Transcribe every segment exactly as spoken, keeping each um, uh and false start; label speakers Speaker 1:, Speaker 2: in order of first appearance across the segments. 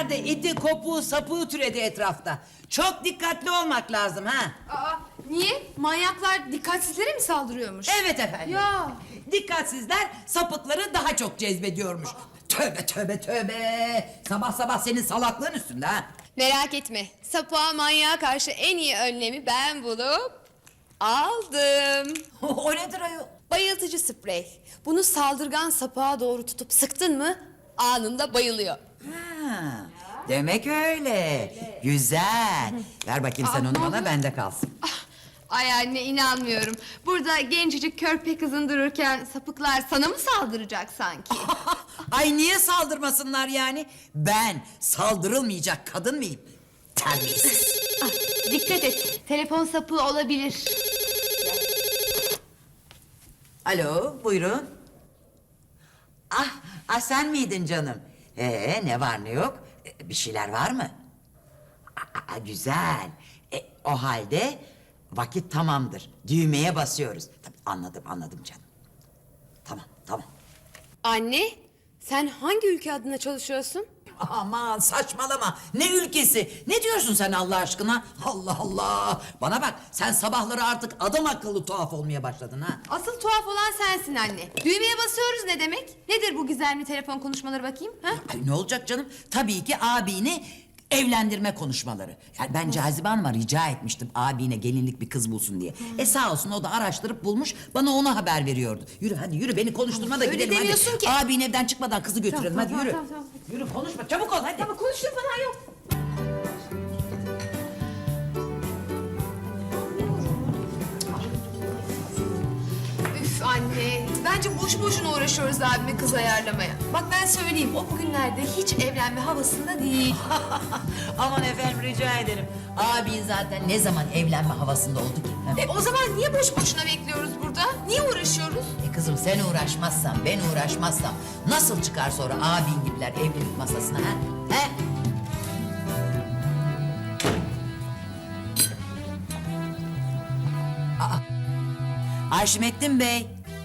Speaker 1: Bugünlerde iti, kopuğu, sapığı türedi etrafta. Çok dikkatli olmak lazım ha.
Speaker 2: Aa, niye? Manyaklar dikkatsizlere mi saldırıyormuş?
Speaker 1: Evet efendim.
Speaker 2: Ya.
Speaker 1: Dikkatsizler sapıkları daha çok cezbediyormuş. Tövbe tövbe tövbe. Sabah sabah senin salaklığın üstünde ha.
Speaker 3: Merak etme. Sapığa manyağa karşı en iyi önlemi ben bulup aldım.
Speaker 1: O nedir ayol?
Speaker 3: Bayıltıcı sprey. Bunu saldırgan sapığa doğru tutup sıktın mı anında bayılıyor.
Speaker 1: Ha, demek öyle. Güzel. Ver bakayım sen onu bana, bende kalsın.
Speaker 3: Ay anne inanmıyorum. Burada gencecik körpe kızın dururken sapıklar sana mı saldıracak sanki?
Speaker 1: Ay niye saldırmasınlar yani? Ben saldırılmayacak kadın mıyım? Terbiyesiz.
Speaker 3: Dikkat et. Telefon sapığı olabilir.
Speaker 1: Alo, buyurun. Ah, ah sen miydin canım? Ee, ne var ne yok? Ee, bir şeyler var mı? Aa, güzel. E, o halde vakit tamamdır. Düğmeye basıyoruz. Tabii, anladım, anladım canım. Tamam, tamam.
Speaker 3: Anne, sen hangi ülke adına çalışıyorsun?
Speaker 1: Aman saçmalama. Ne ülkesi? Ne diyorsun sen Allah aşkına? Allah Allah. Bana bak, sen sabahları artık adam akıllı tuhaf olmaya başladın ha.
Speaker 3: Asıl tuhaf olan sensin anne. Düğmeye basıyoruz ne demek? Nedir bu gizemli telefon konuşmaları bakayım? Ha?
Speaker 1: Ay, ne olacak canım? Tabii ki abini evlendirme konuşmaları. Yani ben Cazibe Hanım'a rica etmiştim abine gelinlik bir kız bulsun diye. E sağ olsun o da araştırıp bulmuş, bana onu haber veriyordu. Yürü hadi yürü, beni konuşturma da
Speaker 3: Öyle
Speaker 1: gidelim hadi.
Speaker 3: demiyorsun ki.
Speaker 1: Abin evden çıkmadan kızı götürelim,
Speaker 3: Tamam,
Speaker 1: hadi
Speaker 3: tamam,
Speaker 1: yürü.
Speaker 3: tamam, tamam.
Speaker 1: Yürü konuşma, çabuk ol hadi.
Speaker 3: Ama konuştuğum falan yok. Üf anne, bence boş boşuna uğraşıyoruz abime kız ayarlamaya. Bak ben söyleyeyim, o bugünlerde hiç evlenme havasında değil.
Speaker 1: Aman efendim rica ederim. Abin zaten ne zaman evlenme havasında oldu ki? Ha?
Speaker 3: E o zaman niye boş boşuna bekliyoruz burada? Niye uğraşıyoruz?
Speaker 1: E kızım sen uğraşmazsan, ben uğraşmazsam nasıl çıkar sonra abin gibiler evlilik masasına ha? He? Aa, Arşimettin Bey.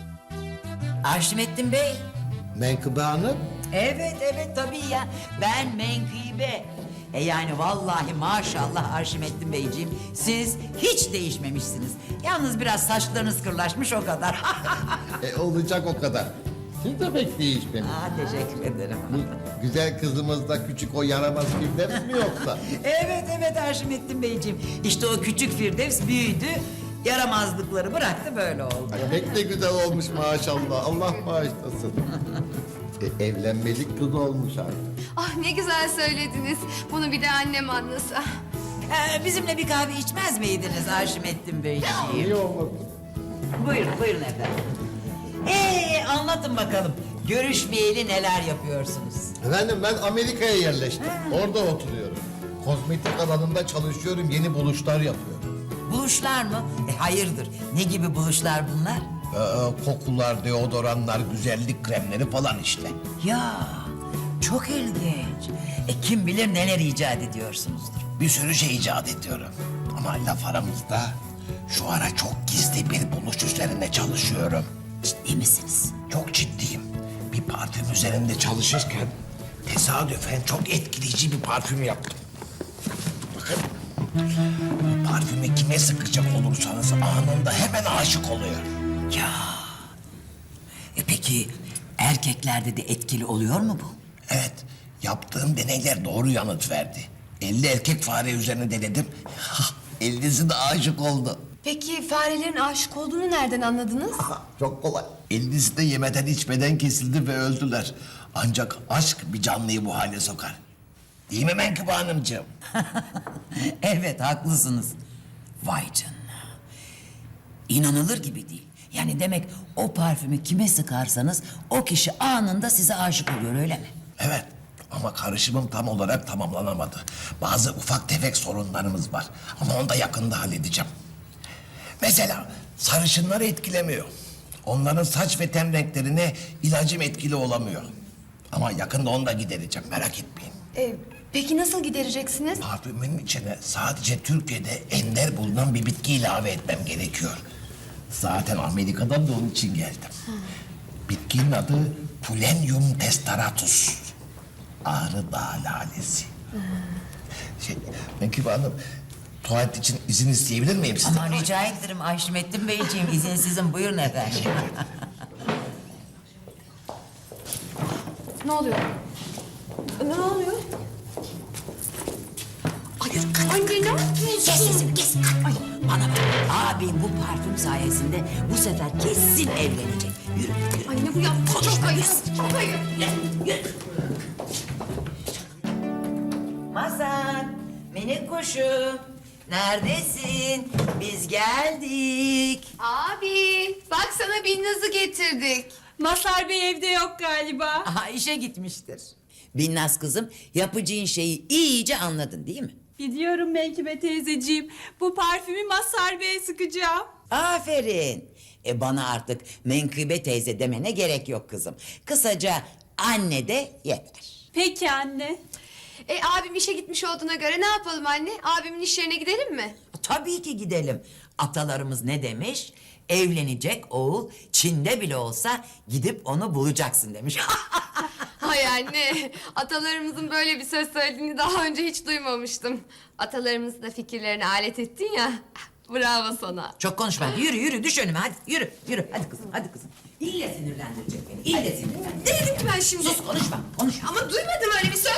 Speaker 1: Arşimettin Bey.
Speaker 4: Menkıbe Hanım,
Speaker 1: Evet evet tabii ya. Ben Menkıbe. E yani vallahi maşallah Arşimettin Beyciğim, siz hiç değişmemişsiniz. Yalnız biraz saçlarınız kırlaşmış o kadar.
Speaker 4: e, olacak o kadar. Siz de pek değişmemiş.
Speaker 1: Aa, teşekkür ederim.
Speaker 4: Bu güzel kızımız da küçük o yaramaz Firdevs mi yoksa?
Speaker 1: Evet evet Arşimettin Beyciğim. İşte o küçük Firdevs büyüdü. Yaramazlıkları bıraktı, böyle oldu.
Speaker 4: Ay, pek de güzel olmuş maşallah. Allah bağışlasın. e, evlenmelik kız olmuş artık.
Speaker 3: Ah ne güzel söylediniz. Bunu bir de annem anlasa.
Speaker 1: Ee, bizimle bir kahve içmez miydiniz Arşimettin Beyciğim?
Speaker 4: İyi olmasın.
Speaker 1: Buyurun buyurun efendim. Ee, anlatın bakalım. Görüşmeyeli neler yapıyorsunuz?
Speaker 4: Efendim ben Amerika'ya yerleştim. Orada oturuyorum. Kozmetik alanında çalışıyorum. Yeni buluşlar yapıyorum.
Speaker 1: Buluşlar mı? E, hayırdır? Ne gibi buluşlar bunlar?
Speaker 4: Ee, kokular, deodoranlar, güzellik kremleri falan işte.
Speaker 1: Ya çok ilginç. E, kim bilir neler icat ediyorsunuzdur.
Speaker 5: Bir sürü şey icat ediyorum. Ama laf aramızda şu ara çok gizli bir buluş üzerinde çalışıyorum.
Speaker 1: Ciddi misiniz?
Speaker 5: Çok ciddiyim. Bir parfüm üzerinde çalışırken tesadüfen çok etkileyici bir parfüm yaptım. Bakın. Bu parfümü kime sıkacak olursanız anında hemen aşık oluyor.
Speaker 1: Ya. E peki erkeklerde de etkili oluyor mu bu?
Speaker 5: Evet, yaptığım deneyler doğru yanıt verdi. elli erkek fare üzerine denedim. ellisi de aşık oldu.
Speaker 3: Peki farelerin aşık olduğunu nereden anladınız?
Speaker 4: Çok kolay.
Speaker 5: ellisi de yemeden içmeden kesildi ve öldüler. Ancak aşk bir canlıyı bu hale sokar. Değil mi Menkıbe Hanımcığım?
Speaker 1: Evet haklısınız. Vay canına. İnanılır gibi değil. Yani demek o parfümü kime sıkarsanız o kişi anında size aşık oluyor, öyle mi?
Speaker 5: Evet ama karışımım tam olarak tamamlanamadı. Bazı ufak tefek sorunlarımız var. Ama onu da yakında halledeceğim. Mesela sarışınları etkilemiyor. Onların saç ve ten renklerine ilacım etkili olamıyor. Ama yakında onu da gidereceğim, merak etmeyin.
Speaker 3: Ee, peki nasıl gidereceksiniz?
Speaker 5: Parfümün içine sadece Türkiye'de ender bulunan bir bitki ilave etmem gerekiyor. Zaten Amerika'dan da onun için geldim. Bitkinin adı Pulenium testaratus. Ağrı Dağı lalesi. Şey, Menkıbe Hanım, tuvalet için izin isteyebilir miyim sizden?
Speaker 1: Aman rica ederim Ayşmettin Beyciğim, izinsizim, buyurun efendim.
Speaker 3: Ne oluyor? Ne oluyor? Ay, anne ne yapıyorsun?
Speaker 1: Kes sesini kes. Ay, bana bak, abim bu parfüm sayesinde bu sefer kesin evlenecek. Yürü, yürü.
Speaker 3: Anne bu yaptı çok ayıp. Çok ayıp.
Speaker 1: Mazhar, minik kuşum, neredesin? Biz geldik.
Speaker 3: Abi bak sana Binnaz'ı getirdik.
Speaker 2: Mazhar Bey evde yok galiba.
Speaker 1: Aha, işe gitmiştir. Binnaz kızım, yapacağın şeyi iyice anladın değil mi?
Speaker 2: Biliyorum Menkıbe teyzeciğim. Bu parfümü Mazhar Bey'e sıkacağım.
Speaker 1: Aferin. E bana artık Menkıbe teyze demene gerek yok kızım. Kısaca anne de yeter.
Speaker 2: Peki anne.
Speaker 3: E abim işe gitmiş olduğuna göre ne yapalım anne? Abimin iş yerine gidelim mi?
Speaker 1: Tabii ki gidelim. Atalarımız ne demiş? Evlenecek oğul Çin'de bile olsa gidip onu bulacaksın demiş.
Speaker 3: Hay anne, atalarımızın böyle bir söz söylediğini daha önce hiç duymamıştım. Atalarımızı da fikirlerine alet ettin ya. Bravo sana.
Speaker 1: Çok konuşma. Yürü yürü düş önüme hadi. Yürü yürü. Hadi kızım hadi kızım. İlle sinirlendirecek beni. İlle sinirlendirecek.
Speaker 3: Ne dedim ki ben şimdi?
Speaker 1: Sus konuşma. Konuşma.
Speaker 3: Ama duymadım öyle bir söz.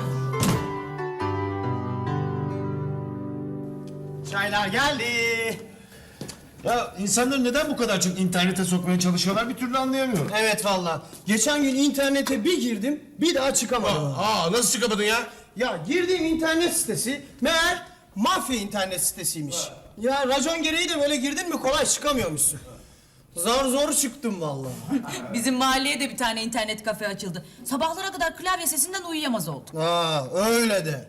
Speaker 6: Çaylar geldi. Ya insanları neden bu kadar çok internete sokmaya çalışıyorlar bir türlü anlayamıyorum.
Speaker 7: Evet valla. Geçen gün internete bir girdim, bir daha çıkamadım.
Speaker 6: Aa nasıl çıkamadın ya?
Speaker 7: Ya girdiğim internet sitesi meğer mafya internet sitesiymiş. Ya racon gereği de böyle girdin mi kolay çıkamıyormuşsun. Zor zor çıktım valla.
Speaker 8: Bizim mahalleye de bir tane internet kafe açıldı. Sabahlara kadar klavye sesinden uyuyamaz olduk.
Speaker 7: Ha öyle de.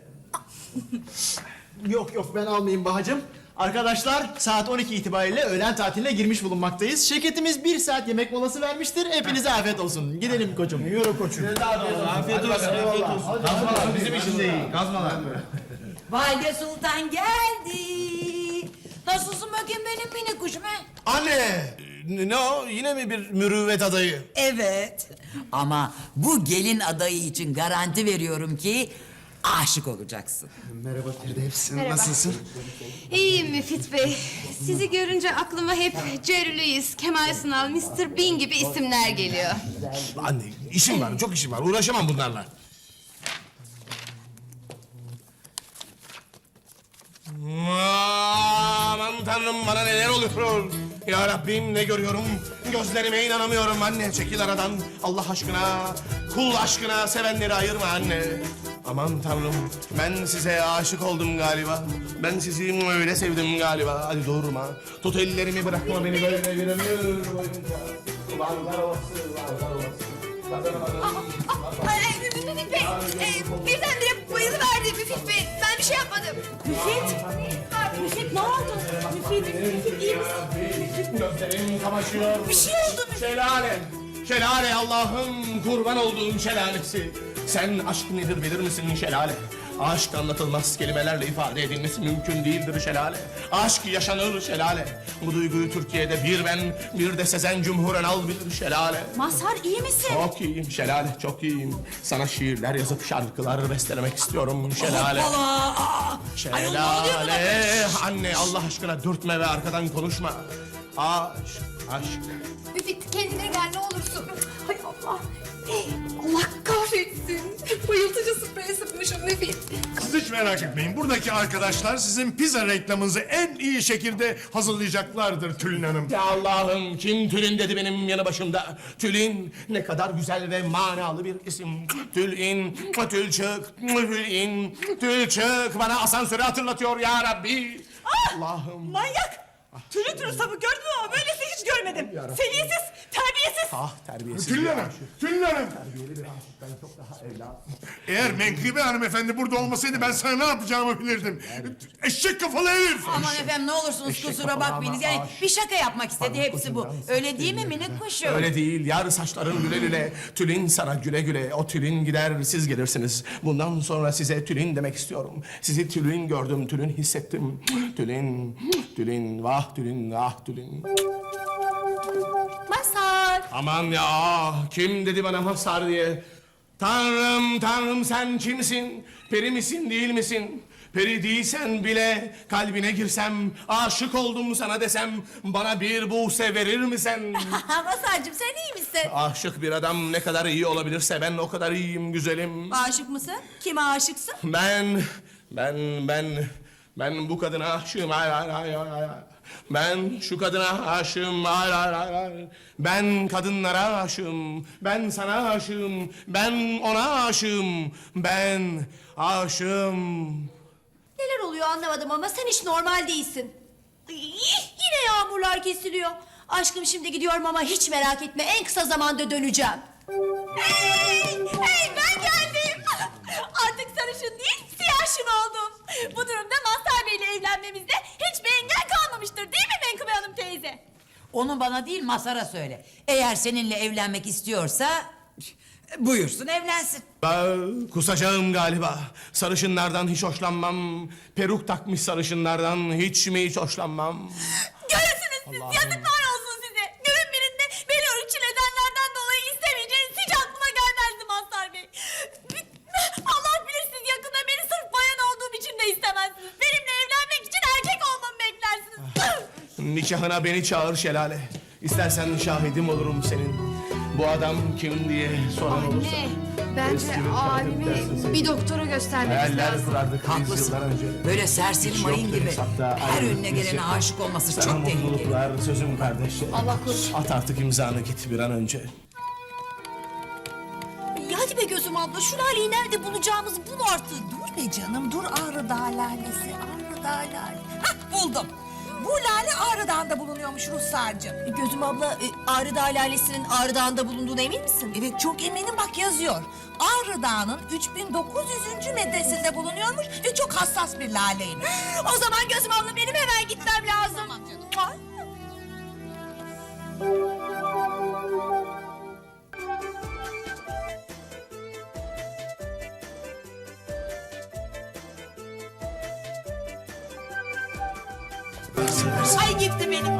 Speaker 6: Yok yok ben almayayım Bahacığım. Arkadaşlar saat on iki itibariyle öğlen tatiline girmiş bulunmaktayız. Şirketimiz bir saat yemek molası vermiştir. Hepinize afiyet olsun. Gidelim koçum. Yürü koçum. Afiyet olsun. Afiyet olsun. Gazmalar bizim işimiz iyi. Gazmalar.
Speaker 1: Valide Sultan geldi. Nasılsın bakayım benim minik kuşum he?
Speaker 6: Anne! Ne o? Yine mi bir mürüvvet adayı?
Speaker 1: Evet. Ama bu gelin adayı için garanti veriyorum ki aşık olacaksın.
Speaker 6: Merhaba Firdevs. Nasılsın?
Speaker 3: İyiyim Müfit Bey. Sizi görünce aklıma hep Jerry Lewis, Kemal Sunal, mister Bean gibi isimler geliyor.
Speaker 6: Anne işim var, çok işim var. Uğraşamam bunlarla. Aman tanrım bana neler oluyor? Ya Rabbim ne görüyorum? Gözlerime inanamıyorum anne. Çekil aradan. Allah aşkına, kul aşkına sevenleri ayırma anne. Aman tanrım ben size aşık oldum galiba. Ben sizi öyle sevdim galiba. Hadi durma. Tut ellerimi bırakma beni böyle bir ömür boyunca. Varlar olası, varlar olası.
Speaker 3: Ay, Müfit Bey, e, birdenbire bayılıverdi Müfit Bey. Ben bir şey yapmadım.
Speaker 8: Müfit! Müfit ne oldu? Müfit, Müfit iyi misin?
Speaker 6: Gözlerim kamaşıyor.
Speaker 8: Bir şey oldu mu?
Speaker 6: Şelale. Şelale Allah'ım kurban olduğum şelalesi. Sen aşk nedir bilir misin şelale? Aşk anlatılmaz kelimelerle ifade edilmesi mümkün değildir şelale. Aşk yaşanır şelale. Bu duyguyu Türkiye'de bir ben bir de Sezen Cumhuren al bilir şelale.
Speaker 8: Mazhar iyi misin?
Speaker 6: Çok iyiyim şelale çok iyiyim. Sana şiirler yazıp şarkılar bestelemek istiyorum şelale.
Speaker 8: Hoppala! Aa! Ayol, ne oluyor buna?
Speaker 6: Şelale. Anne Allah aşkına dürtme ve arkadan konuşma. Aşk, aşk.
Speaker 3: Müfit kendine gel ne olursun. Hay Allah. Allah kahretsin. Bayıltıcı sprey sıkmışım Müfit.
Speaker 9: Siz hiç merak etmeyin. Buradaki arkadaşlar sizin pizza reklamınızı en iyi şekilde hazırlayacaklardır Tülin Hanım.
Speaker 6: Ya Allah'ım kim Tülin dedi benim yanı başımda. Tülin ne kadar güzel ve manalı bir isim. Tülin, Tülçük, Tülin, Tülçük bana asansörü hatırlatıyor ya Rabbi. Allah'ım.
Speaker 8: Manyak! Türlü türlü sapı gördün mü ama böylesi hiç görmedim. Seviyesiz, terbiyesiz.
Speaker 6: Ah terbiyesiz.
Speaker 9: Tülin
Speaker 6: bir
Speaker 9: Hanım,
Speaker 6: aşık.
Speaker 9: Tülin Hanım.
Speaker 6: Terbiyeli bir aşık. Ben çok daha evlat.
Speaker 9: Eğer Menkıbe hanımefendi burada olmasaydı ben sana ne yapacağımı bilirdim. Eşek kafalı herif.
Speaker 1: Aman efendim ne olursunuz
Speaker 6: Eşek
Speaker 1: kusura
Speaker 6: kafalı
Speaker 1: bakmayınız.
Speaker 6: ama
Speaker 1: Yani
Speaker 6: aşk.
Speaker 1: bir şaka yapmak istedi hepsi bu. Öyle değil mi minik kuşum?
Speaker 6: Öyle değil. Yar saçların güle güle. Tülin sana güle güle. O tülin gider siz gelirsiniz. Bundan sonra size tülin demek istiyorum. Sizi tülin gördüm, tülin hissettim. Tülin, tülin, vah tülin, vah tülin.
Speaker 3: Mazhar.
Speaker 6: Aman ya kim dedi bana Mazhar diye. Tanrım, Tanrım sen kimsin? Peri misin, değil misin? Peri değilsen bile kalbine girsem, aşık oldum sana desem, bana bir buğse verir misin?
Speaker 2: Masarcığım sen iyi misin?
Speaker 6: Aşık bir adam ne kadar iyi olabilirse ben o kadar iyiyim güzelim.
Speaker 2: Aşık mısın? Kime aşıksın?
Speaker 6: Ben, ben, ben, ben bu kadına aşığım. Hayır, hayır, hayır, hayır, hayır. Ben şu kadına aşığım. Hayır, hayır, hayır, hayır. Ben kadınlara aşığım. Ben sana aşığım. Ben ona aşığım. Ben aşığım.
Speaker 2: Neler oluyor anlamadım ama sen hiç normal değilsin. Ay, yine yağmurlar kesiliyor. Aşkım şimdi gidiyorum ama hiç merak etme en kısa zamanda döneceğim. Hey, hey ben geldim. Artık sarışın değil siyahşın oldum. Bu durumda Mazhar Bey'le evlenmemizde hiçbir engel kalmamıştır değil mi Menkıbe Hanım teyze?
Speaker 1: Onu bana değil Masar'a söyle. Eğer seninle evlenmek istiyorsa buyursun evlensin.
Speaker 6: Ben kusacağım galiba. Sarışınlardan hiç hoşlanmam. Peruk takmış sarışınlardan hiç mi hiç hoşlanmam.
Speaker 2: Görürsünüz siz
Speaker 6: Allah'ım.
Speaker 2: yazıklar olsun size. Günün birinde beni ırkçı nedenlerden dolayı istemeyeceğiniz hiç aklıma gelmezdi Mazhar Bey. Allah bilir siz yakında beni sırf bayan olduğum için de istemezsiniz. Benimle evlenmek için erkek olmamı beklersiniz.
Speaker 6: Nikahına beni çağır Şelale. İstersen şahidim olurum senin. Bu adam kim diye soran olursa.
Speaker 3: Anne, bence
Speaker 6: Eski bir
Speaker 3: abimi
Speaker 6: dersin sen.
Speaker 3: bir doktora göstermemiz
Speaker 6: Hayaller
Speaker 3: lazım.
Speaker 6: kurardık biz
Speaker 1: Haklısın.
Speaker 6: yıllar önce.
Speaker 1: Böyle serseri
Speaker 6: Hiç
Speaker 1: mayın
Speaker 6: yoktu
Speaker 1: gibi
Speaker 6: hesapta,
Speaker 1: her
Speaker 6: aynı
Speaker 1: önüne
Speaker 6: bir
Speaker 1: gelene
Speaker 6: şey.
Speaker 1: aşık olması
Speaker 6: Sana
Speaker 1: çok tehlikeli.
Speaker 6: mutluluklar sözüm kardeş.
Speaker 3: Allah korusun.
Speaker 6: At artık imzanı git bir an önce.
Speaker 2: Ya hadi be gözüm abla şu laleyi nerede bulacağımızı bul artık.
Speaker 10: Dur be canım, dur Ağrı Dağı lalesi, Ağrı Dağı lale. Hah, buldum. Bu lale Ağrı Dağı'nda bulunuyormuş Ruhsar'cığım.
Speaker 2: E, Gözüm abla e, Ağrı Dağı lalesinin Ağrı Dağı'nda bulunduğuna emin misin?
Speaker 10: Evet, çok eminim, bak yazıyor. Ağrı Dağı'nın üç bin dokuz yüzüncü metresinde bulunuyormuş ve çok hassas bir laleymiş.
Speaker 2: O zaman gözüm abla benim hemen gitmem lazım.
Speaker 10: Tamam canım.
Speaker 2: Ay. Ay gitti benim.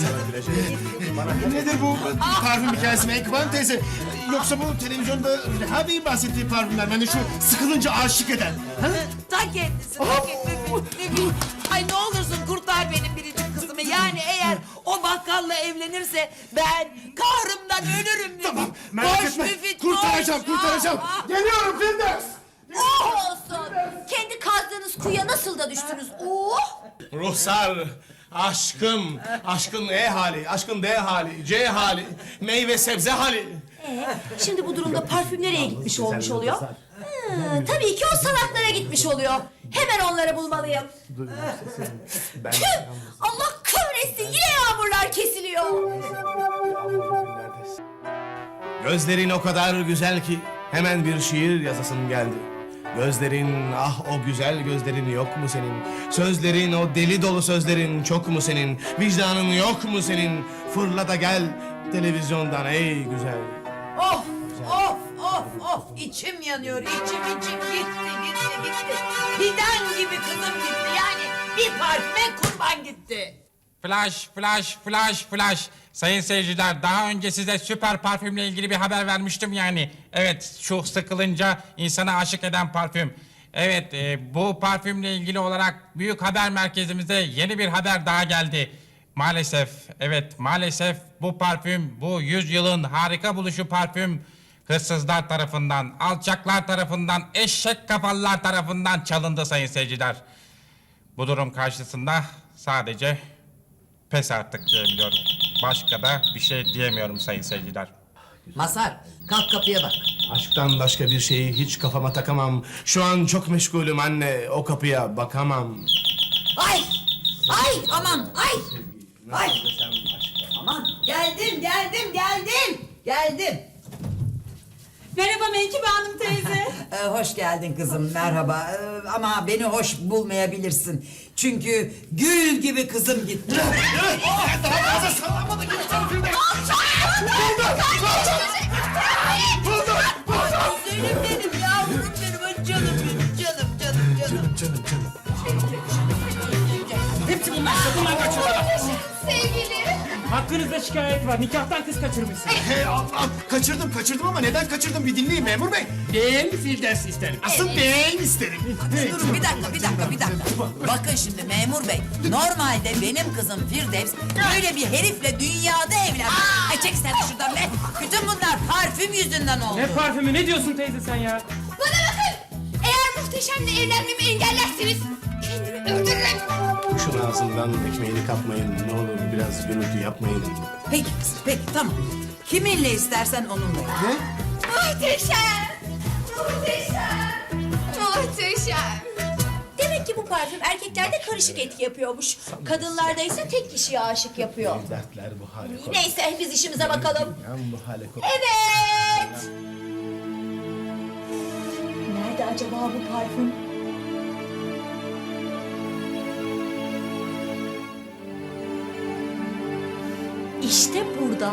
Speaker 7: Nedir bu parfüm hikayesi Menkıbe Hanım teyze? Yoksa bu televizyonda Reha Bey'in bahsettiği parfümler, hani şu sıkılınca aşık eden. Ha?
Speaker 1: Ta kendisi, ta kendisi. Ay ne olursun kurtar benim biricik kızımı. Yani eğer o bakkalla evlenirse ben kahrımdan ölürüm.
Speaker 7: Tamam, merak
Speaker 1: Koş
Speaker 7: etme.
Speaker 1: Müfit,
Speaker 7: Kurtaracağım,
Speaker 1: koş.
Speaker 7: kurtaracağım.
Speaker 1: Ah, ah.
Speaker 7: Geliyorum Firdevs.
Speaker 2: Oh olsun. Kendi kazdığınız kuyuya nasıl da düştünüz? Oh.
Speaker 6: Ruhsar, aşkım, aşkın E hali, aşkın D hali, C hali, meyve sebze hali.
Speaker 2: Ee, şimdi bu durumda parfüm nereye gitmiş olmuş oluyor? Hmm, tabii ki o salaklara gitmiş oluyor. Hemen onları bulmalıyım. Tüh! Allah kahretsin yine yağmurlar kesiliyor.
Speaker 6: Gözlerin o kadar güzel ki hemen bir şiir yazasım geldi. Gözlerin, ah o güzel gözlerin yok mu senin? Sözlerin, o deli dolu sözlerin çok mu senin? Vicdanın yok mu senin? Fırla da gel televizyondan ey güzel.
Speaker 1: Of, of, of, of. İçim yanıyor, içim içim gitti, gitti, gitti. Fidan gibi kızım gitti. Yani bir parfüme kurban gitti.
Speaker 11: Flash, flash, flash, flash. Sayın seyirciler, daha önce size süper parfümle ilgili bir haber vermiştim yani. Evet, şu sıkılınca insana aşık eden parfüm. Evet, e, bu parfümle ilgili olarak büyük haber merkezimize yeni bir haber daha geldi. Maalesef, evet maalesef bu parfüm, bu yüzyılın harika buluşu parfüm... hırsızlar tarafından, alçaklar tarafından, eşek kafalılar tarafından çalındı sayın seyirciler. Bu durum karşısında sadece pes artık diyebiliyorum. Başka da bir şey diyemiyorum sayın seyirciler.
Speaker 1: Masar, kalk kapıya bak.
Speaker 6: Aşktan başka bir şeyi hiç kafama takamam. Şu an çok meşgulüm anne, o kapıya bakamam.
Speaker 1: Ay, ay, aman, ay. Ay. Aman, geldim, geldim, geldim. Geldim.
Speaker 2: Merhaba Menkıbe Hanım teyze.
Speaker 1: Ee, hoş geldin kızım, merhaba. Ee, ama beni hoş bulmayabilirsin. Çünkü gül gibi kızım gitti.
Speaker 7: Daha fazla sallamadı gibi Firdevs.
Speaker 1: Benim benim yavrum benim, canım benim, canım, canım, canım.
Speaker 7: Canım canım. Hepsi bunlar işte, bunlar kaçıyorlar.
Speaker 3: Sevgili.
Speaker 7: Haklı Hakkınızda şikayet var. Nikahtan kız kaçırmışsınız.
Speaker 12: Hey Allah'ım kaçırdım kaçırdım ama neden kaçırdım bir dinleyin memur bey. Ben Firdevs isterim. Asıl ben isterim.
Speaker 1: Durun bir dakika, bir dakika, bir dakika. Bakın şimdi memur bey, normalde benim kızım Firdevs böyle bir herifle dünyada evlenmiş. Ay çek sen de şuradan be. Bütün bunlar parfüm yüzünden oldu.
Speaker 7: Ne parfümü, ne diyorsun teyze sen ya?
Speaker 3: Bana bakın. Eğer Muhteşem'le evlenmemi engellerseniz kendimi öldürürüm.
Speaker 6: Şunu ağzından ekmeğini kapmayın. Ne olur biraz gürültü yapmayın.
Speaker 1: Peki, peki tamam. Kiminle istersen onunla. Ne?
Speaker 3: Muhteşem. Muhteşem. Muhteşem.
Speaker 2: Demek ki bu parfüm erkeklerde karışık etki yapıyormuş. Kadınlarda ise tek kişiye aşık yapıyor.
Speaker 6: Dertler bu hale.
Speaker 2: Neyse biz işimize bakalım.
Speaker 6: Bu hale
Speaker 2: Evet. Nerede acaba bu parfüm? İşte burada.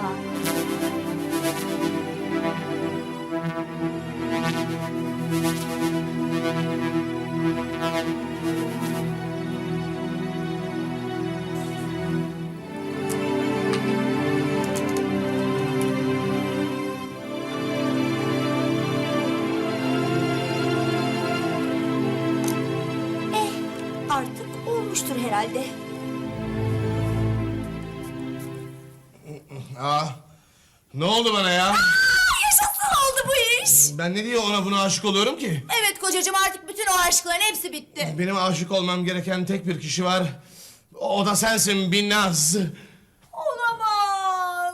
Speaker 2: Eh, artık olmuştur herhalde.
Speaker 6: Aa, ne oldu bana ya?
Speaker 2: Yaşasın oldu bu iş.
Speaker 6: Ben ne diye ona buna aşık oluyorum ki?
Speaker 2: Evet kocacığım artık bütün o aşkların hepsi bitti.
Speaker 6: Benim aşık olmam gereken tek bir kişi var. O da sensin Binnaz.
Speaker 2: Olamaz.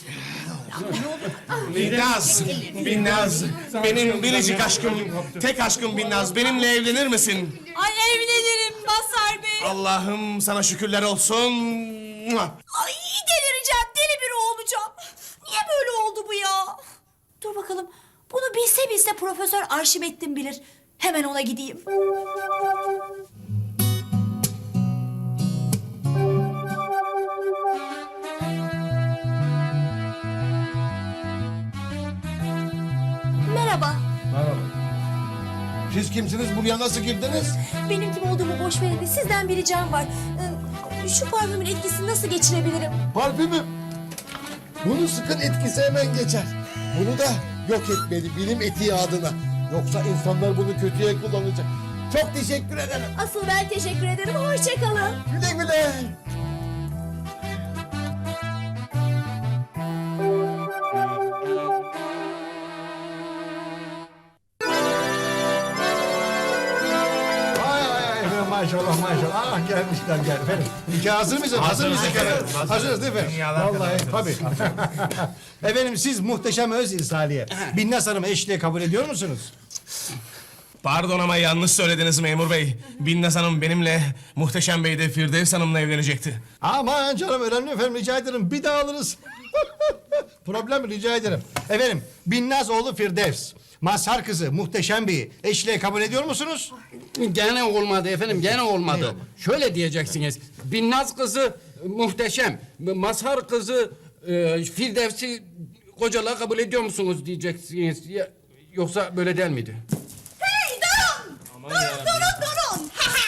Speaker 6: Binnaz, Binnaz. Benim biricik aşkım, tek aşkım Binnaz. Benimle evlenir misin?
Speaker 2: Ay evlenirim Mazhar Bey.
Speaker 6: Allah'ım sana şükürler olsun.
Speaker 2: Ay delireceğim, deli biri olacağım. Niye böyle oldu bu ya? Dur bakalım, bunu bilse bilse Profesör Arşimettin bilir. Hemen ona gideyim. Merhaba.
Speaker 4: Siz kimsiniz? Buraya nasıl girdiniz?
Speaker 2: Benim kim olduğumu boş verin de sizden bir ricam var. Ee, Şu parfümün etkisini nasıl geçirebilirim?
Speaker 4: Parfümü. Bunu sıkın etkisi hemen geçer. Bunu da yok etmeli bilim etiği adına. Yoksa insanlar bunu kötüye kullanacak. Çok teşekkür ederim.
Speaker 2: Asıl ben teşekkür ederim. Hoşça kalın.
Speaker 4: Güle güle.
Speaker 12: Ay ay ay efendim maşallah maşallah. Ah gelmişler gel efendim. Nikah hazır mısınız? Hazır mısınız efendim? Hazırız değil mi? Vallahi tabii. Efendim siz muhteşem öz insaliye. Binnaz Hanım'ı eşliğe kabul ediyor musunuz?
Speaker 6: Pardon ama yanlış söylediniz memur bey. Binnaz Hanım benimle, Muhteşem Bey de Firdevs Hanım'la evlenecekti.
Speaker 12: Aman canım önemli efendim rica ederim bir daha alırız. Problem rica ederim. Efendim Binnaz oğlu Firdevs. Mazhar kızı Muhteşem Bey'i eşliğe kabul ediyor musunuz?
Speaker 13: Gene olmadı efendim, gene olmadı. Şöyle diyeceksiniz. Binnaz kızı Muhteşem, Mazhar kızı e, Firdevs'i kocalığa kabul ediyor musunuz diyeceksiniz. Ya, yoksa böyle değil miydi?
Speaker 2: Hey durun! Durun durun durun!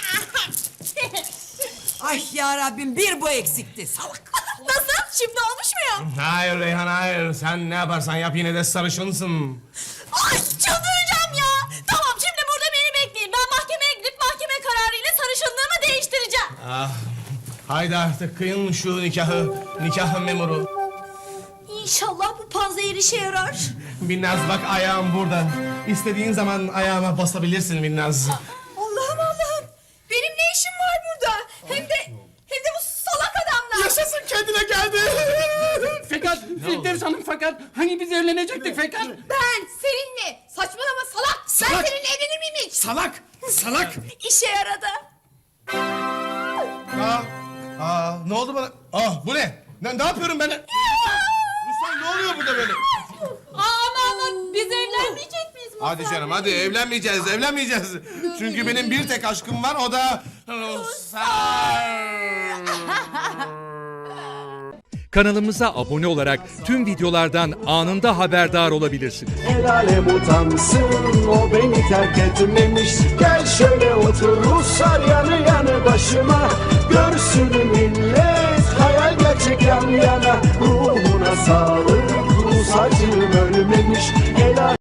Speaker 1: Ay ya Rabbim bir bu eksikti salak.
Speaker 2: Nasıl? Şimdi olmuş mu ya?
Speaker 6: Hayır Reyhan hayır. Sen ne yaparsan yap yine de sarışınsın.
Speaker 2: Ay çıldıracağım ya! Tamam şimdi burada beni bekleyin. Ben mahkemeye gidip mahkeme kararıyla sarışınlığımı değiştireceğim.
Speaker 6: Ah, haydi artık kıyın şu nikahı, nikah memuru.
Speaker 2: İnşallah bu panzehir işe yarar.
Speaker 6: Binnaz bak ayağım burada. İstediğin zaman ayağıma basabilirsin Binnaz.
Speaker 2: Allah'ım Allah'ım! Benim ne işim var burada? Hem de hem de bu salak adamla.
Speaker 6: Yaşasın kendine geldi.
Speaker 13: Fakat Firdevs Hanım fakat hani biz evlenecektik fakat.
Speaker 3: Ben seninle saçmalama salak.
Speaker 6: Salak.
Speaker 3: Ben seninle evlenir miyim hiç?
Speaker 6: Salak, salak.
Speaker 2: İşe yaradı.
Speaker 6: Aa, aa, ne oldu bana? Ah, bu ne? Ne, ne yapıyorum ben? Ruslan ne oluyor burada böyle?
Speaker 2: Aman aman biz evlenmeyecek miyiz?
Speaker 6: Hadi canım hadi evlenmeyeceğiz, evlenmeyeceğiz. Çünkü benim bir tek aşkım var o da Ruslar.
Speaker 14: Kanalımıza abone olarak tüm videolardan anında haberdar olabilirsiniz.
Speaker 15: El alem utansın o beni terk etmemiş. Gel şöyle otur Ruslar yanı yanı başıma. Görsün millet hayal gerçek. gerçek yan yana. Ruhuna sağlık, Rus acım ölmemiş. El